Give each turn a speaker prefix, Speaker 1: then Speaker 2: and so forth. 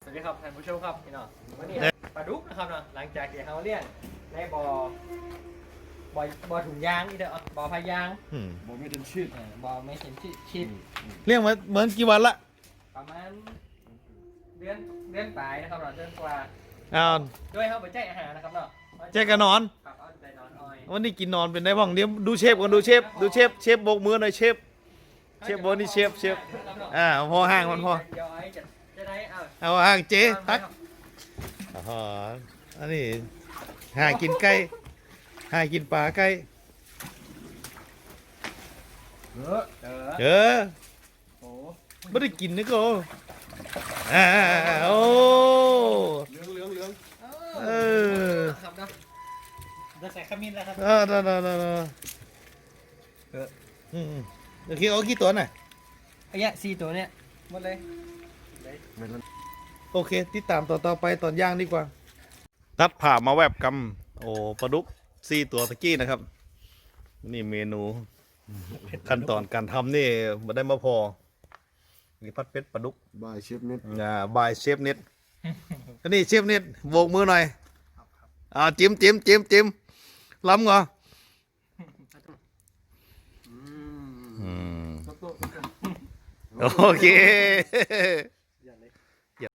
Speaker 1: วัสดีครับท่านผู้ชมครับพี่น้องวันนี้ปลาดุกนะครับเนาะหลังจากที่เขาเลี้ยงในบ่อถุงยางนี่เด้อบ่อพายาง
Speaker 2: บ่ไม่เป็นชื่อ
Speaker 1: บ่อไม่เห็นชิด
Speaker 3: เลี้ยงมาเหมือนกี่วันละ
Speaker 1: ประมาณเดือนปลายนะครับเนาะเดือนกว่า
Speaker 3: อ้าว
Speaker 1: ด้วยเขาไปแจกอาหารนะครับเนาะ
Speaker 3: แจกกันนอน
Speaker 1: ครับเอาใจนอนอ้อย
Speaker 3: วันนี้กินนอนเป็นได้บ้างเดี๋ยวดูเชฟก่อนดูเชฟโบกมือหน่อยเชฟโบนี่เชฟพอห่างมันพอ
Speaker 1: เดี๋ยวไอ้จะได้เอา
Speaker 3: เอาห่างเจ๊ตักอ๋ออันนี้ห่างกินไก่ห่างกินปลาไก่ เออ
Speaker 1: โอ้
Speaker 3: ไม่ได้กินนะก็โอ้
Speaker 2: เหลือง
Speaker 3: เออ
Speaker 1: ครับเนาะจะใส่ขมิ้นแล้วครับ
Speaker 3: โอเคเอากี่ตัวหน่อย
Speaker 1: ไอ้เนี่ย4 ตัวเนี่ยหมดเลย
Speaker 3: โอเคติดตามต่อไปตอนย่างดีกว่า ตัดผ่ามาแวบกำโอ้ปลาดุก4 ตัวตะกี้นะครับ นี่เมนูขั้นตอนการทำนี่มาได้มาพอนี่พัดเป็ดปลาดุก
Speaker 2: บายเชฟเน็ต
Speaker 3: บายเชฟเน็ตนี่เชฟเน็ตโบกมือหน่อยจิ้มล้ำเหรอโอเค